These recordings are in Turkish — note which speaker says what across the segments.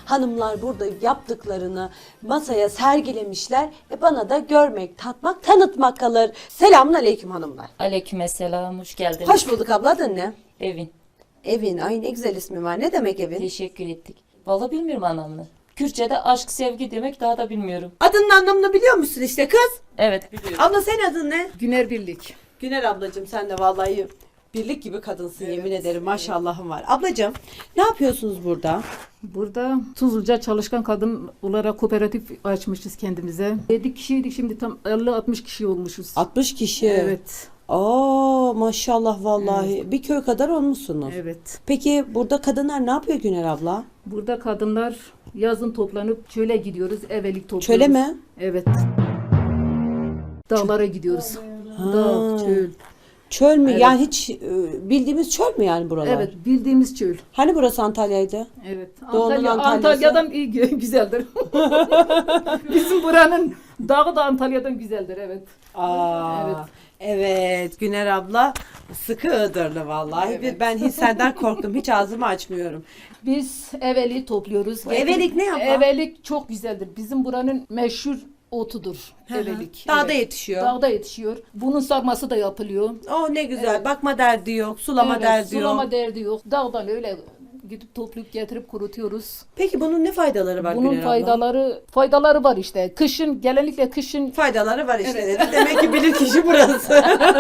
Speaker 1: Hanımlar burada yaptıklarını masaya sergilemişler. Bana da görmek, tatmak, tanıtmak kalır. Selamünaleyküm hanımlar.
Speaker 2: Aleykümselam, hoş geldiniz.
Speaker 1: Hoş bulduk abla, adın ne?
Speaker 2: Evin.
Speaker 1: Evin, ay ne güzel ismi var. Ne demek evin?
Speaker 2: Teşekkür ettik. Vallahi bilmiyorum anlamını. Kürtçe'de aşk, sevgi demek daha da bilmiyorum.
Speaker 1: Adının anlamını biliyor musun işte kız?
Speaker 2: Evet biliyorum.
Speaker 1: Abla senin adın ne?
Speaker 3: Güner Birlik.
Speaker 1: Güner ablacığım, sen de vallahi birlik gibi kadınsın, yemin ederim, maşallahın var. Ablacığım ne yapıyorsunuz burada?
Speaker 3: Burada Tuzluca Çalışkan Kadın olarak kooperatif açmışız kendimize. 7 kişiydik, şimdi tam 50-60 kişi olmuşuz.
Speaker 1: 60 kişi.
Speaker 3: Evet.
Speaker 1: Aa maşallah vallahi. Bir köy kadar olmuşsunuz.
Speaker 3: Evet.
Speaker 1: Peki burada kadınlar ne yapıyor Güner abla?
Speaker 3: Burada kadınlar yazın toplanıp çöle gidiyoruz, evelik topluyoruz.
Speaker 1: Çöle mi?
Speaker 3: Evet. Dağlara gidiyoruz.
Speaker 1: Ha.
Speaker 3: Dağ, çöl.
Speaker 1: Çöl mü?
Speaker 3: Evet.
Speaker 1: Yani hiç bildiğimiz çöl mü yani buralar?
Speaker 3: Evet, bildiğimiz çöl.
Speaker 1: Hani burası Antalya'ydı?
Speaker 3: Evet.
Speaker 1: Doğu'nun Antalya'sı.
Speaker 3: Antalya'dan iyi güzeldir. Bizim buranın dağı da Antalya'dan güzeldir, evet.
Speaker 1: Aa,
Speaker 3: Evet.
Speaker 1: evet Güner abla sıkı Iğdırlı vallahi.
Speaker 3: Evet.
Speaker 1: Ben hiç senden korktum. Hiç ağzımı açmıyorum.
Speaker 3: Biz eveli topluyoruz.
Speaker 1: Bu evelik ne yapar?
Speaker 3: Evelik çok güzeldir. Bizim buranın meşhur otudur. Evelik.
Speaker 1: Dağda
Speaker 3: Evet.
Speaker 1: yetişiyor.
Speaker 3: Dağda yetişiyor. Bunun sarması da yapılıyor.
Speaker 1: Oh ne güzel. Bakma derdi yok. Sulama
Speaker 3: Evet,
Speaker 1: derdi yok.
Speaker 3: sulama derdi yok. Dağdan öyle gidip toplayıp getirip kurutuyoruz.
Speaker 1: Peki bunun ne faydaları var
Speaker 3: Bunun
Speaker 1: Güner abla?
Speaker 3: faydaları var işte. Kışın, genellikle kışın
Speaker 1: Faydaları var işte dedi. Demek ki bilir kişi burası.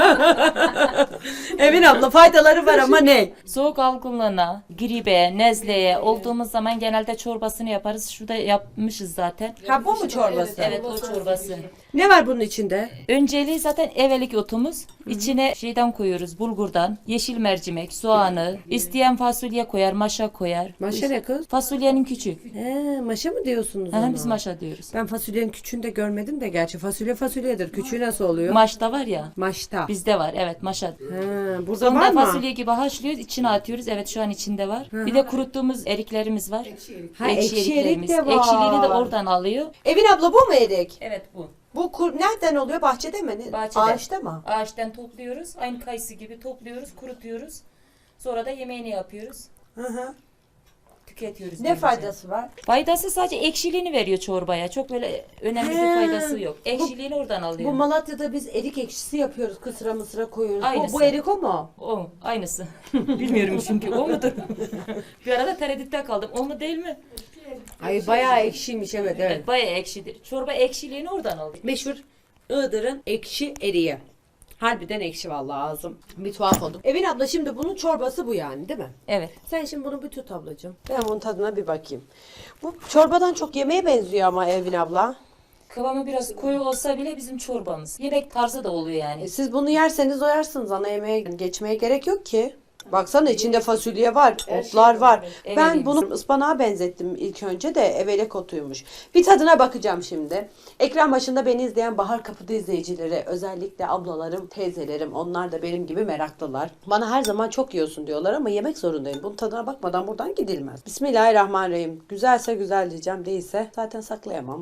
Speaker 1: Emin abla faydaları var ama ne?
Speaker 2: Soğuk algınlığına, gribe, nezleye olduğumuz zaman genelde çorbasını yaparız. Şurada yapmışız zaten.
Speaker 1: Ha bu mu çorbası?
Speaker 2: Evet o çorbası.
Speaker 1: Ne var bunun içinde?
Speaker 2: Önceliği zaten evelik otumuz. İçine şeyden koyuyoruz, bulgurdan, yeşil mercimek, soğanı, isteyen fasulye koyar, maşa koyar.
Speaker 1: Maşa ne kız?
Speaker 2: Fasulyenin küçüğü.
Speaker 1: Maşa mı diyorsunuz
Speaker 2: Aha,
Speaker 1: ona?
Speaker 2: biz maşa diyoruz.
Speaker 1: Ben fasulyenin küçüğünü de görmedim de gerçi. Fasulye fasulyedir. Küçüğü nasıl oluyor?
Speaker 2: Maşta var ya.
Speaker 1: Maşta.
Speaker 2: Bizde var evet maşa.
Speaker 1: Burada
Speaker 2: Sonra
Speaker 1: var mı?
Speaker 2: fasulye gibi haşlıyoruz, içine atıyoruz. Evet şu an içinde var. Bir de kuruttuğumuz eriklerimiz var.
Speaker 1: Ha, ekşi erik
Speaker 2: eriklerimiz.
Speaker 1: de var.
Speaker 2: Ekşiliğini de oradan alıyor.
Speaker 1: Evin abla bu mu erik?
Speaker 2: Evet bu.
Speaker 1: Bu nereden oluyor? Bahçede mi?
Speaker 2: Bahçede.
Speaker 1: Ağaçta mı?
Speaker 2: Ağaçtan topluyoruz. Aynı kayısı gibi topluyoruz, kurutuyoruz. Sonra da yemeğini yapıyoruz.
Speaker 1: Hı.
Speaker 2: Tüketiyoruz.
Speaker 1: Ne
Speaker 2: böylece.
Speaker 1: faydası var?
Speaker 2: Faydası sadece ekşiliğini veriyor çorbaya. Çok böyle önemli bir faydası yok. Ekşiliğini oradan alıyor.
Speaker 1: Bu Malatya'da biz erik ekşisi yapıyoruz. Kısra mısıra koyuyoruz.
Speaker 2: Aynısı.
Speaker 1: Bu erik o mu?
Speaker 2: O aynısı. Bilmiyorum çünkü o mudur? Bir arada tereddütte kaldım. O mu değil mi?
Speaker 1: Ay bayağı ekşiymiş evet.
Speaker 2: Evet, bayağı ekşidir. Çorba ekşiliğini oradan alıyor.
Speaker 1: Meşhur Iğdır'ın ekşi eriği. Harbiden ekşi vallahi ağzım. Bir tuhaf oldum. Evin abla şimdi bunun çorbası bu yani değil mi?
Speaker 2: Evet.
Speaker 1: Sen şimdi bunu bir tut ablacığım. Ben bunun tadına bir bakayım. Bu çorbadan çok yemeğe benziyor ama Evin abla.
Speaker 2: Kıvamı biraz koyu olsa bile bizim çorbamız. Yemek tarzı da oluyor yani.
Speaker 1: Siz bunu yerseniz doyarsınız. Ana yemeğe geçmeye gerek yok ki. Baksana içinde fasulye var, otlar var.
Speaker 2: Evet.
Speaker 1: Ben bunu ıspanağa benzettim ilk önce de evelek otuymuş. Bir tadına bakacağım şimdi. Ekran başında beni izleyen Bahar Kapı'da izleyicileri, özellikle ablalarım, teyzelerim, onlar da benim gibi meraklılar. Bana her zaman çok yiyorsun diyorlar ama yemek zorundayım. Bunun tadına bakmadan buradan gidilmez. Bismillahirrahmanirrahim. Güzelse güzel diyeceğim, değilse zaten saklayamam.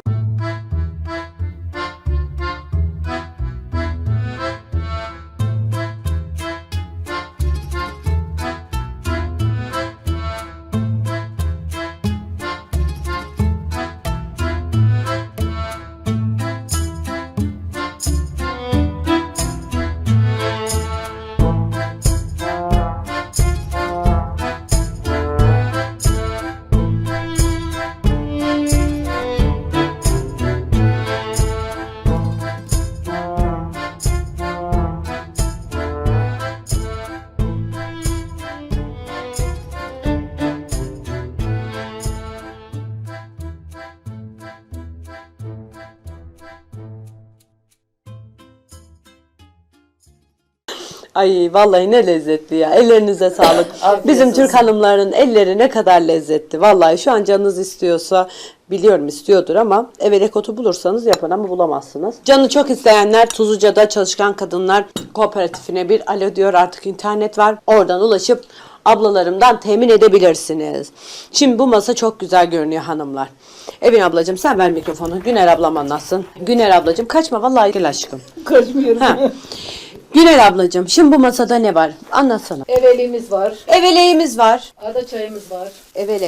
Speaker 1: Ay vallahi ne lezzetli ya. Ellerinize sağlık. Bizim Türk hanımlarının elleri ne kadar lezzetli. Vallahi şu an canınız istiyorsa, biliyorum istiyordur ama evelek otu bulursanız yapın ama bulamazsınız. Canı çok isteyenler Tuzluca'da Çalışkan Kadınlar Kooperatifine bir alo diyor, artık internet var. Oradan ulaşıp ablalarımdan temin edebilirsiniz. Şimdi bu masa çok güzel görünüyor hanımlar. Evin ablacığım sen ver mikrofonu. Güner ablam anlatsın. Güner ablacığım kaçma vallahi gel aşkım.
Speaker 3: kaçmıyorum.
Speaker 1: Ha. Güner ablacığım şimdi bu masada ne var? Anlatsana.
Speaker 3: Eveliğimiz var.
Speaker 1: Eveleğimiz var.
Speaker 3: Ada çayımız var.
Speaker 1: Evelek.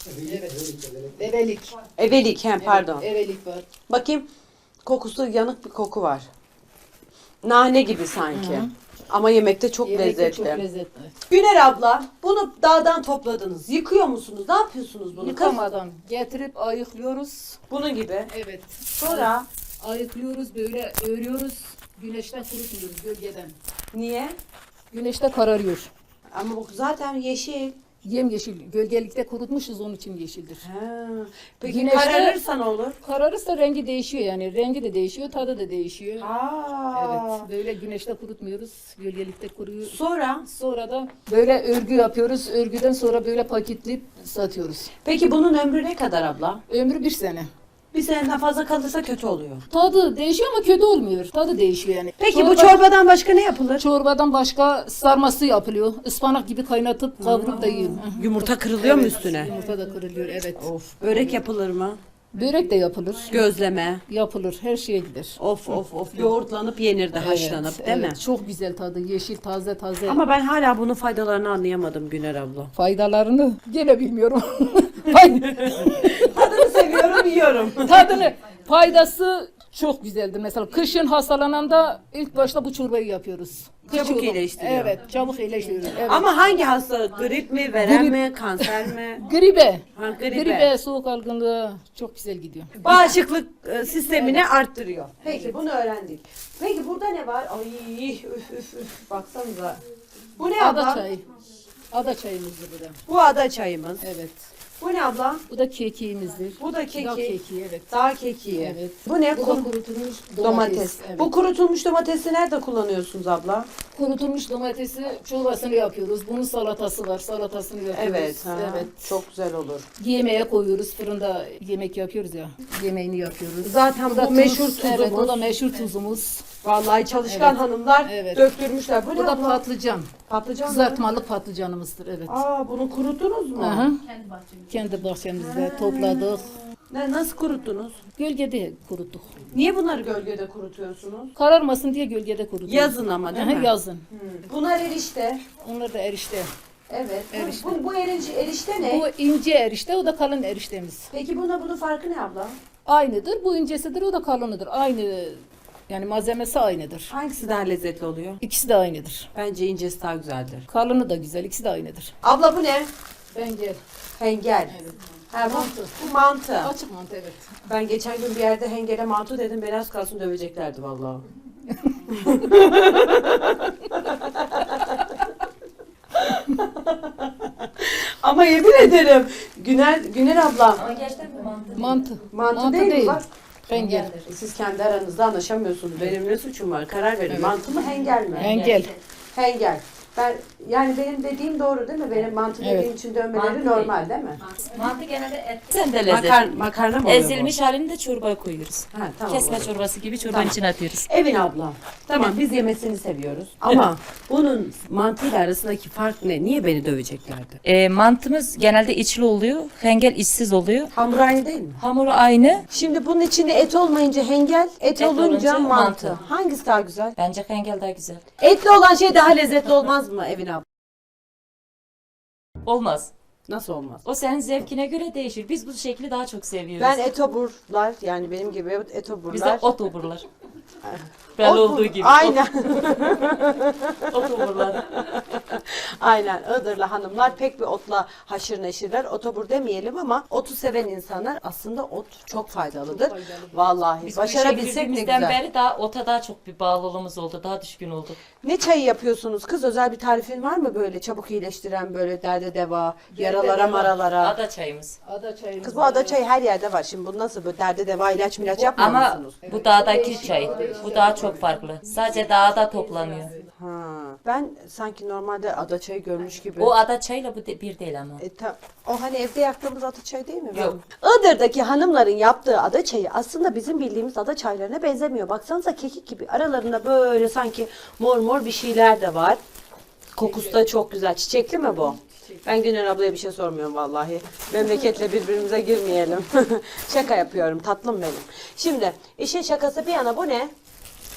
Speaker 3: Evelik.
Speaker 1: Evelik, pardon.
Speaker 3: Evelik var.
Speaker 1: Bakayım, kokusu yanık bir koku var. Nane gibi sanki. Ama yemekte çok lezzetli.
Speaker 3: Çok lezzetli.
Speaker 1: Güner abla, bunu dağdan topladınız. Yıkıyor musunuz? Ne yapıyorsunuz bunu?
Speaker 3: Yıkamadan getirip ayıklıyoruz.
Speaker 1: Bunun gibi.
Speaker 3: Evet.
Speaker 1: Sonra
Speaker 3: Ayıklıyoruz, böyle örüyoruz. Güneşten kurutmuyoruz, gölgeden.
Speaker 1: niye?
Speaker 3: Güneşte kararıyor.
Speaker 1: Ama bu zaten yeşil.
Speaker 3: Yemyeşil. Gölgelikte kurutmuşuz, onun için yeşildir.
Speaker 1: Ha. Peki
Speaker 3: Güneşte-
Speaker 1: kararırsa ne olur?
Speaker 3: Kararırsa rengi değişiyor yani. Rengi de değişiyor, tadı da değişiyor.
Speaker 1: Aa.
Speaker 3: Evet. Böyle güneşte kurutmuyoruz. Gölgelikte kuruyor.
Speaker 1: Sonra?
Speaker 3: Sonra da böyle örgü yapıyoruz. Örgüden sonra böyle paketleyip satıyoruz.
Speaker 1: Peki bunun ömrü ne kadar abla?
Speaker 3: Ömrü 1 sene.
Speaker 1: Bir seneden fazla kalırsa kötü oluyor.
Speaker 3: Tadı değişiyor ama kötü olmuyor. Tadı değişiyor yani.
Speaker 1: Peki bu çorbadan başka ne yapılır?
Speaker 3: Çorbadan başka sarması yapılıyor. Ispanak gibi kaynatıp kavurup da yiyor.
Speaker 1: Yumurta kırılıyor mu
Speaker 3: Evet,
Speaker 1: üstüne?
Speaker 3: Yumurta da kırılıyor, evet.
Speaker 1: Of. Börek yapılır mı?
Speaker 3: Börek de yapılır.
Speaker 1: Gözleme.
Speaker 3: Yapılır, her şeye gider.
Speaker 1: Of of of. Yoğurtlanıp yenir de haşlanıp değil mi?
Speaker 3: Evet, çok güzel tadı. Yeşil, taze taze.
Speaker 1: Ama ben hala bunun faydalarını anlayamadım Güner abla.
Speaker 3: Faydalarını gene bilmiyorum.
Speaker 1: Tadını seviyorum, yiyorum.
Speaker 3: Tadını, faydası çok güzeldir. Mesela kışın hastalananda ilk başta bu çorbayı yapıyoruz.
Speaker 1: Çabuk
Speaker 3: çorba-
Speaker 1: iyileştiriyor.
Speaker 3: Evet, çabuk iyileştiriyor. Evet.
Speaker 1: Ama hangi hastalık? Grip mi, verem
Speaker 3: Grip.
Speaker 1: mi, kanser mi?
Speaker 3: Gribe.
Speaker 1: Ha, gribe.
Speaker 3: Gribe, soğuk algınlığı çok güzel gidiyor.
Speaker 1: Bağışıklık sistemini arttırıyor. Peki bunu öğrendik. Peki burada ne var? Ay üf. Baksanıza. Bu ne abla?
Speaker 3: Ada çayı. Ada çayımızdır bu da.
Speaker 1: Bu ada çayımız.
Speaker 3: Evet.
Speaker 1: Bu ne abla?
Speaker 3: Bu da kekiğimizdir.
Speaker 1: Bu da keki.
Speaker 3: Dağ kekiği, evet.
Speaker 1: Dağ kekiği.
Speaker 3: Evet.
Speaker 1: Bu ne?
Speaker 3: Bu da kurutulmuş
Speaker 1: Domates.
Speaker 3: Evet.
Speaker 1: Bu kurutulmuş domatesi nerede kullanıyorsunuz abla?
Speaker 3: kurutulmuş domatesi çorbasını yapıyoruz. Bunun salatası var. Salatasını yapıyoruz.
Speaker 1: Evet. Ha,
Speaker 3: Evet.
Speaker 1: Çok güzel olur.
Speaker 3: Yemeğe koyuyoruz. Fırında yemek yapıyoruz ya. Yemeğini yapıyoruz.
Speaker 1: Zaten
Speaker 3: Bu da
Speaker 1: bu meşhur
Speaker 3: tuz,
Speaker 1: tuzumuz.
Speaker 3: Evet, bu da meşhur tuzumuz.
Speaker 1: Vallahi çalışkan
Speaker 3: Evet.
Speaker 1: hanımlar
Speaker 3: Evet.
Speaker 1: döktürmüşler. Bu,
Speaker 3: Bu
Speaker 1: ne
Speaker 3: da
Speaker 1: abla?
Speaker 3: patlıcan.
Speaker 1: Patlıcan mı?
Speaker 3: Kızartmalı patlıcanımızdır, evet.
Speaker 1: Aa, bunu kuruttunuz mu?
Speaker 3: Aha. Kendi bahçemizde topladık.
Speaker 1: Nasıl kuruttunuz?
Speaker 3: Gölgede kuruttuk.
Speaker 1: Niye bunları gölgede kurutuyorsunuz?
Speaker 3: Kararmasın diye gölgede kuruttuk.
Speaker 1: Yazın ama değil
Speaker 3: Aha,
Speaker 1: mi?
Speaker 3: yazın.
Speaker 1: Bunlar erişte.
Speaker 3: Onlar da erişte.
Speaker 1: Evet.
Speaker 3: Erişte.
Speaker 1: Bu erişte ne?
Speaker 3: Bu ince erişte, o da kalın eriştemiz.
Speaker 1: Peki bunun farkı ne abla?
Speaker 3: Aynıdır. Bu incesidir, o da kalınıdır. Aynı, yani malzemesi aynıdır.
Speaker 1: Hangisi daha lezzetli oluyor?
Speaker 3: İkisi de aynıdır.
Speaker 1: Bence incesi daha güzeldir.
Speaker 3: Kalını da güzel, ikisi de aynıdır.
Speaker 1: Abla bu ne?
Speaker 3: Bence
Speaker 1: Hengel.
Speaker 3: Evet.
Speaker 1: Ha,
Speaker 3: Mantı.
Speaker 1: bu mantı.
Speaker 3: açık mantı, evet.
Speaker 1: Ben geçen gün bir yerde hengele mantı dedim. Beni az kalsın döveceklerdi vallahi. Ama yemin ederim Güner abla
Speaker 3: Mantı.
Speaker 1: mantı değil mi? Bak,
Speaker 3: Hengel.
Speaker 1: siz kendi aranızda anlaşamıyorsunuz. Benim ne suçum var? Karar verin. Mantı mı hengel mi?
Speaker 3: Hengel.
Speaker 1: Hengel. Yani benim dediğim doğru değil mi? Benim mantı
Speaker 3: Evet.
Speaker 1: dediğim için dönmeleri
Speaker 2: Mantı
Speaker 1: normal değil mi?
Speaker 2: Mantı genelde etten de lezzetli.
Speaker 1: Makarna mı oluyor
Speaker 2: Ezilmiş halini de çorbaya koyuyoruz.
Speaker 1: bu? Ha, tamam.
Speaker 2: Kesme
Speaker 1: olur.
Speaker 2: çorbası gibi çorbanın
Speaker 1: Tamam.
Speaker 2: içine atıyoruz.
Speaker 1: Evin abla. Tamam biz yemesini seviyoruz. Ama bunun mantıyla arasındaki fark ne? Niye beni döveceklerdi?
Speaker 2: Mantımız genelde içli oluyor. Hengel içsiz oluyor.
Speaker 1: Hamur aynı değil mi?
Speaker 2: Hamuru aynı.
Speaker 1: Şimdi bunun içinde et olmayınca hengel, et olunca
Speaker 2: olunca
Speaker 1: mantı.
Speaker 2: mantı.
Speaker 1: Hangisi daha güzel?
Speaker 2: Bence hengel daha güzel.
Speaker 1: Etli olan şey daha lezzetli olmaz mı Evin abla?
Speaker 2: Olmaz.
Speaker 1: Nasıl olmaz?
Speaker 2: O senin zevkine göre değişir. Biz bu şekli daha çok seviyoruz.
Speaker 1: Ben etoburlar yani benim gibi etoburlar.
Speaker 2: Bizde ot oburlar. Belli
Speaker 1: Ot
Speaker 2: olduğu
Speaker 1: bur-
Speaker 2: gibi.
Speaker 1: Aynen.
Speaker 2: Ot oburlar.
Speaker 1: Aynen. Iğdırlı hanımlar pek bir otla haşır neşirler. Otobur demeyelim ama otu seven insanlar aslında ot çok faydalıdır. Vallahi
Speaker 2: Biz bu işe
Speaker 1: başarabilsek ne
Speaker 2: girdiğimizden
Speaker 1: güzel.
Speaker 2: beri daha ota daha çok bir bağlılığımız oldu. Daha düşkün olduk.
Speaker 1: Ne çayı yapıyorsunuz kız? Özel bir tarifin var mı böyle çabuk iyileştiren böyle derde deva, yaralara maralara?
Speaker 2: Ada çayımız.
Speaker 3: Ada çayımız.
Speaker 1: Kız bu ada çayı her yerde var. Şimdi bu nasıl böyle derde deva ilaç milaç yapmıyor
Speaker 2: Ama
Speaker 1: musunuz?
Speaker 2: bu dağdaki çay. Bu daha çok farklı. Sadece dağda toplanıyor.
Speaker 1: Ha. Ben sanki normalde ada çayı görmüş gibi.
Speaker 2: O ada çayla bu bir değil ama.
Speaker 1: O hani evde yaktığımız ada çayı değil mi?
Speaker 2: Yok.
Speaker 1: Iğdır'daki hanımların yaptığı ada çayı aslında bizim bildiğimiz ada çaylarına benzemiyor. Baksanıza kekik gibi. Aralarında böyle sanki mor mor bir şeyler de var. Kokusu da çok güzel. Çiçekli mi bu? Ben Güner ablaya bir şey sormuyorum vallahi. Memleketle birbirimize girmeyelim. Şaka yapıyorum tatlım benim. Şimdi işin şakası bir yana bu ne?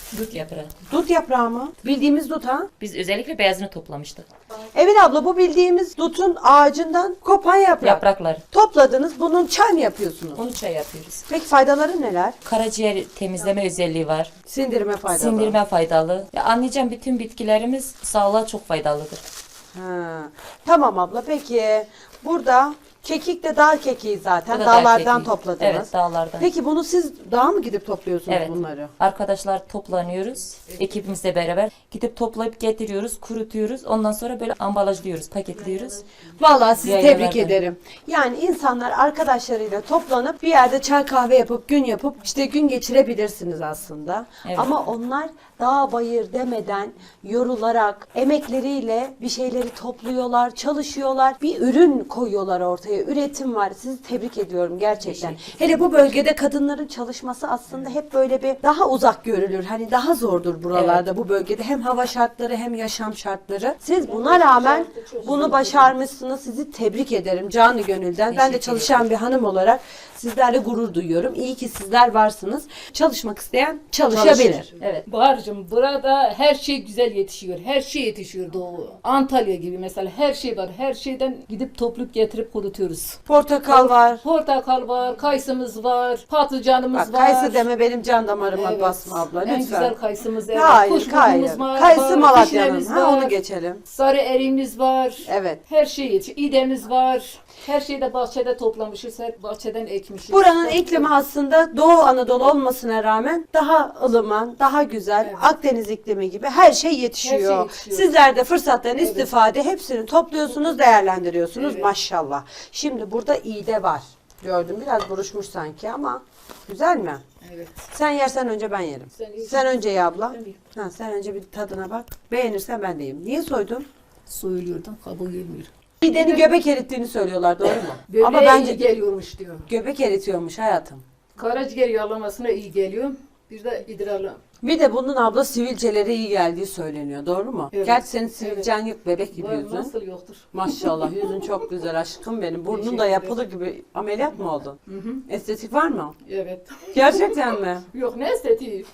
Speaker 2: Dut yaprağı.
Speaker 1: Dut yaprağı mı? Bildiğimiz dut ha?
Speaker 2: Biz özellikle beyazını toplamıştık.
Speaker 1: Evet abla, bu bildiğimiz dutun ağacından kopan yaprak.
Speaker 2: Yapraklar.
Speaker 1: Topladınız, bunun çay mı yapıyorsunuz?
Speaker 2: Onu çay yapıyoruz.
Speaker 1: Peki faydaları neler?
Speaker 2: Karaciğer temizleme özelliği var.
Speaker 1: Sindirime faydalı.
Speaker 2: Sindirme faydalı. Ya anlayacağım, bütün bitkilerimiz sağlığa çok faydalıdır.
Speaker 1: Ha. Tamam abla, peki burada kekik de dağ kekiği zaten.
Speaker 2: Bu da dağ
Speaker 1: Dağlardan
Speaker 2: kekiği.
Speaker 1: topladınız.
Speaker 2: Evet, dağlardan.
Speaker 1: Peki bunu siz dağa mı gidip topluyorsunuz
Speaker 2: Evet.
Speaker 1: bunları?
Speaker 2: Arkadaşlar toplanıyoruz. Ekibimizle beraber gidip toplayıp getiriyoruz, kurutuyoruz. Ondan sonra böyle ambalajlıyoruz, paketliyoruz.
Speaker 1: Vallahi sizi
Speaker 2: Yaylalarda.
Speaker 1: tebrik ederim. Yani insanlar arkadaşlarıyla toplanıp bir yerde çay kahve yapıp gün yapıp işte gün geçirebilirsiniz aslında.
Speaker 2: Evet.
Speaker 1: Ama onlar dağ bayır demeden yorularak emekleriyle bir şeyleri topluyorlar, çalışıyorlar. Bir ürün koyuyorlar ortaya. Üretim var. Sizi tebrik ediyorum gerçekten. Hele bu bölgede kadınların çalışması aslında hep böyle bir daha uzak görülür. Hani daha zordur buralarda, bu bölgede. Hem hava şartları hem yaşam şartları. Siz buna rağmen bunu başarmışsınız. Sizi tebrik ederim canı gönülden. Ben de çalışan bir hanım olarak sizlerle gurur duyuyorum. İyi ki sizler varsınız. Çalışmak isteyen çalışabilir.
Speaker 2: Evet.
Speaker 3: Bahar'cığım burada her şey güzel yetişiyor. Her şey yetişiyor Doğu. Antalya gibi mesela her şey var. Her şeyden gidip toplayıp getirip kurutuyoruz.
Speaker 1: Portakal var.
Speaker 3: Portakal var, kayısımız var, patlıcanımız
Speaker 1: Bak,
Speaker 3: var.
Speaker 1: kayısı deme, benim can damarıma
Speaker 3: Evet.
Speaker 1: basma abla
Speaker 3: En
Speaker 1: lütfen.
Speaker 3: güzel kayısımız evet.
Speaker 1: Hayır,
Speaker 3: Kuşburnumuz var,
Speaker 1: Kayısı
Speaker 3: var,
Speaker 1: Malatya'nın.
Speaker 3: vişnemiz
Speaker 1: Ha,
Speaker 3: var,
Speaker 1: onu geçelim.
Speaker 3: sarı eriğimiz var.
Speaker 1: Evet.
Speaker 3: Her şey yetişiyor. İdemiz var. Her şeyi de bahçede toplamışız. Her bahçeden ekmişiz.
Speaker 1: Buranın iklimi aslında Doğu Anadolu olmasına rağmen daha ılıman, daha güzel.
Speaker 3: Evet.
Speaker 1: Akdeniz iklimi gibi her şey yetişiyor.
Speaker 3: Her şey yetişiyor.
Speaker 1: Sizler de fırsattan istifade hepsini topluyorsunuz, değerlendiriyorsunuz.
Speaker 3: Evet.
Speaker 1: Maşallah. Şimdi burada iğde var. Gördüm, biraz buruşmuş sanki ama güzel mi?
Speaker 3: Evet.
Speaker 1: Sen yersen önce ben yerim.
Speaker 3: Sen ye.
Speaker 1: Sen önce ye abla.
Speaker 3: Ben yiyeyim.
Speaker 1: Ha, sen önce bir tadına bak. Beğenirsen ben de yiyeyim. Niye soydun?
Speaker 3: Soyuluyordan kabuğu gelmiyor.
Speaker 1: İğdenin göbek erittiğini söylüyorlar, doğru mu?
Speaker 3: Böbreğe
Speaker 1: Ama bence
Speaker 3: iyi geliyormuş diyor.
Speaker 1: göbek eritiyormuş hayatım.
Speaker 3: Karaciğer yağlamasına iyi geliyor. Bir de idrarla.
Speaker 1: Bir de bunun abla sivilcelere iyi geldiği söyleniyor. Doğru mu?
Speaker 3: Evet.
Speaker 1: Gerçi senin sivilcen yok, bebek gibi
Speaker 3: Var,
Speaker 1: yüzün.
Speaker 3: nasıl yoktur?
Speaker 1: Maşallah, yüzün çok güzel aşkım benim. Burnun
Speaker 3: Teşekkür
Speaker 1: da
Speaker 3: ederim.
Speaker 1: yapılı gibi. Ameliyat mı oldun? Estetik var mı?
Speaker 3: Evet.
Speaker 1: Gerçekten mi?
Speaker 3: Yok ne estetiği.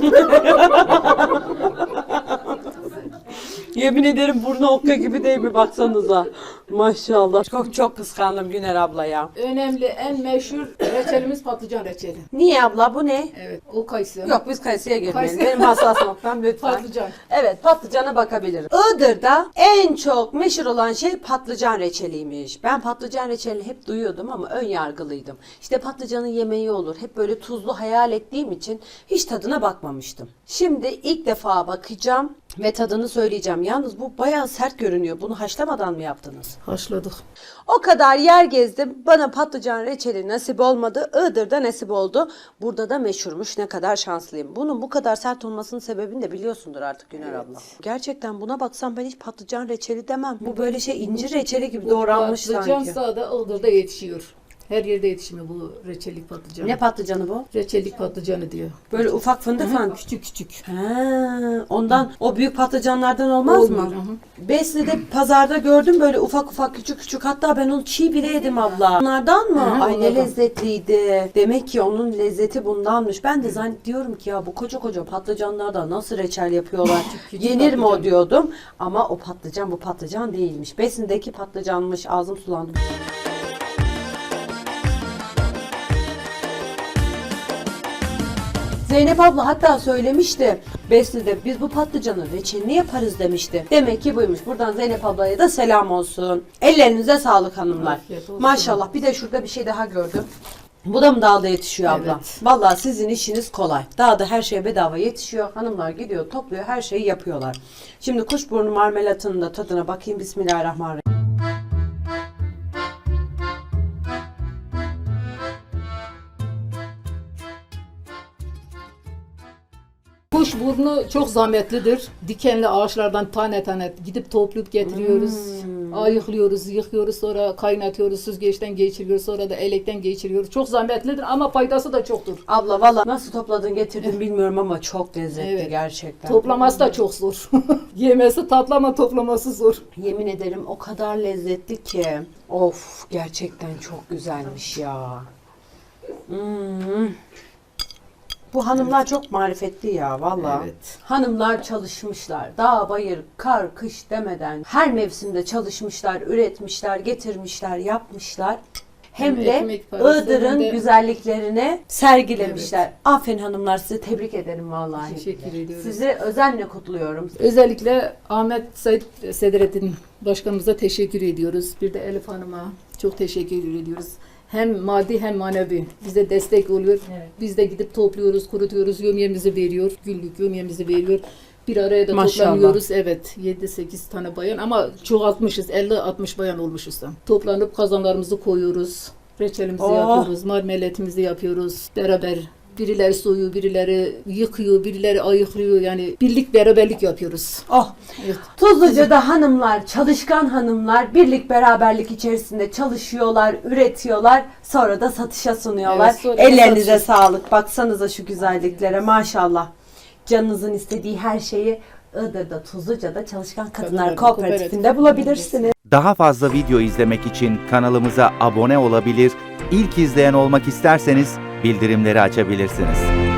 Speaker 1: Yemin ederim burnu okka gibi değil mi, baksanıza. Maşallah. Çok çok kıskandım Güner abla ya.
Speaker 3: Önemli en meşhur reçelimiz patlıcan reçeli.
Speaker 1: Niye abla, bu ne?
Speaker 3: Evet. O kayısı.
Speaker 1: Yok, biz kayısıya girmeyelim.
Speaker 3: Kayısı.
Speaker 1: Benim hassas noktam lütfen.
Speaker 3: Patlıcan.
Speaker 1: Evet, patlıcana bakabilirim. Iğdır'da en çok meşhur olan şey patlıcan reçeliymiş. Ben patlıcan reçelini hep duyuyordum ama ön yargılıydım. İşte patlıcanın yemeği olur. Hep böyle tuzlu hayal ettiğim için hiç tadına bakmamıştım. Şimdi ilk defa bakacağım ve tadını söyleyeceğim. Yalnız bu bayağı sert görünüyor. Bunu haşlamadan mı yaptınız?
Speaker 3: Haşladık.
Speaker 1: O kadar yer gezdim. Bana patlıcan reçeli nasip olmadı. Iğdır'da nasip oldu. Burada da meşhurmuş. Ne kadar şanslıyım. Bunun bu kadar sert olmasının sebebini de biliyorsundur artık Güner abla. Gerçekten buna baksam ben hiç patlıcan reçeli demem. Bu böyle şey incir reçeli gibi doğranmış
Speaker 3: Patlıcan
Speaker 1: sanki.
Speaker 3: sağda Iğdır'da yetişiyor. Her yerde yetişmiyor bu reçellik patlıcan.
Speaker 1: Ne patlıcanı bu?
Speaker 3: Reçellik patlıcanı diyor.
Speaker 1: Böyle ufak fındık falan.
Speaker 3: Küçük küçük.
Speaker 1: Ha, ondan o büyük patlıcanlardan olmaz
Speaker 3: Olmuyor,
Speaker 1: mı?
Speaker 3: hı hı.
Speaker 1: Besli'de pazarda gördüm böyle ufak ufak küçük küçük, hatta ben onu çiğ bile yedim abla. Onlardan mı?
Speaker 3: Hı hı,
Speaker 1: Ay ne
Speaker 3: onlardan.
Speaker 1: lezzetliydi. Demek ki onun lezzeti bundanmış. Ben de zannediyorum ki ya bu koca koca patlıcanlardan nasıl reçel yapıyorlar?
Speaker 3: küçük
Speaker 1: Yenir mi o
Speaker 3: patlıcan.
Speaker 1: diyordum. Ama o patlıcan bu patlıcan değilmiş. Besin'deki patlıcanmış. Ağzım sulandı. Zeynep abla hatta söylemişti Besli'de, biz bu patlıcanın reçelini yaparız demişti. Demek ki buymuş. Buradan Zeynep ablaya da selam olsun. Ellerinize sağlık hanımlar.
Speaker 3: Afiyet olsun.
Speaker 1: Maşallah. Bir de şurada bir şey daha gördüm. Bu da mı dağda yetişiyor abla?
Speaker 3: Evet.
Speaker 1: Vallahi sizin işiniz kolay. Dağda her şey bedava yetişiyor. Hanımlar gidiyor, topluyor, her şeyi yapıyorlar. Şimdi kuşburnu marmelatının da tadına bakayım. Bismillahirrahmanirrahim.
Speaker 3: Kuşburnu çok zahmetlidir. Dikenli ağaçlardan tane tane gidip toplayıp getiriyoruz. Ayıklıyoruz, yıkıyoruz, sonra kaynatıyoruz, süzgeçten geçiriyoruz, sonra da elekten geçiriyoruz. Çok zahmetlidir ama faydası da çoktur.
Speaker 1: Abla valla nasıl topladın getirdin bilmiyorum ama çok lezzetli
Speaker 3: Evet.
Speaker 1: gerçekten.
Speaker 3: Toplaması da çok zor. Yemesi tatlı ama toplaması zor.
Speaker 1: Yemin ederim o kadar lezzetli ki. Of, gerçekten çok güzelmiş ya. Bu hanımlar çok marifetli ya vallahi.
Speaker 3: Evet.
Speaker 1: Hanımlar çalışmışlar. Dağ, bayır, kar, kış demeden her mevsimde çalışmışlar, üretmişler, getirmişler, yapmışlar. Hem
Speaker 3: Hem
Speaker 1: de
Speaker 3: ekmek parası,
Speaker 1: Iğdır'ın
Speaker 3: hem de-
Speaker 1: güzelliklerini sergilemişler. Aferin hanımlar, sizi tebrik ederim vallahi.
Speaker 3: Teşekkür ediyoruz.
Speaker 1: Sizi özenle kutluyorum.
Speaker 3: Özellikle Ahmet Said Sedrettin Başkanımıza teşekkür ediyoruz. Bir de Elif Hanım'a çok teşekkür ediyoruz. Hem maddi hem manevi bize destek oluyor.
Speaker 2: Evet.
Speaker 3: Biz de gidip topluyoruz, kurutuyoruz, yömyemizi veriyor. Günlük yömyemizi veriyor. Bir araya da
Speaker 1: Maşallah.
Speaker 3: toplanıyoruz. Evet, 7-8 tane bayan ama çoğaltmışız. 50-60 bayan olmuşuz da. Toplanıp kazanlarımızı koyuyoruz. Reçelimizi
Speaker 1: Oh.
Speaker 3: yapıyoruz, marmelatimizi yapıyoruz. Beraber birileri soyuyor, birileri yıkıyor, birileri ayıklıyor. Yani birlik beraberlik yapıyoruz.
Speaker 1: Oh.
Speaker 3: Evet.
Speaker 1: Tuzluca'da hanımlar, çalışkan hanımlar birlik beraberlik içerisinde çalışıyorlar, üretiyorlar, sonra da satışa sunuyorlar.
Speaker 3: Evet, sonra da
Speaker 1: Ellerinize
Speaker 3: satışa.
Speaker 1: sağlık. Baksanıza şu güzelliklere maşallah. Canınızın istediği her şeyi Iğdır'da, Tuzluca'da Çalışkan Kadınlar
Speaker 3: Kadınlar
Speaker 1: Kooperatifinde
Speaker 3: Kooperatif.
Speaker 1: bulabilirsiniz.
Speaker 4: Daha fazla video izlemek için kanalımıza abone olabilir, ilk izleyen olmak isterseniz bildirimleri açabilirsiniz.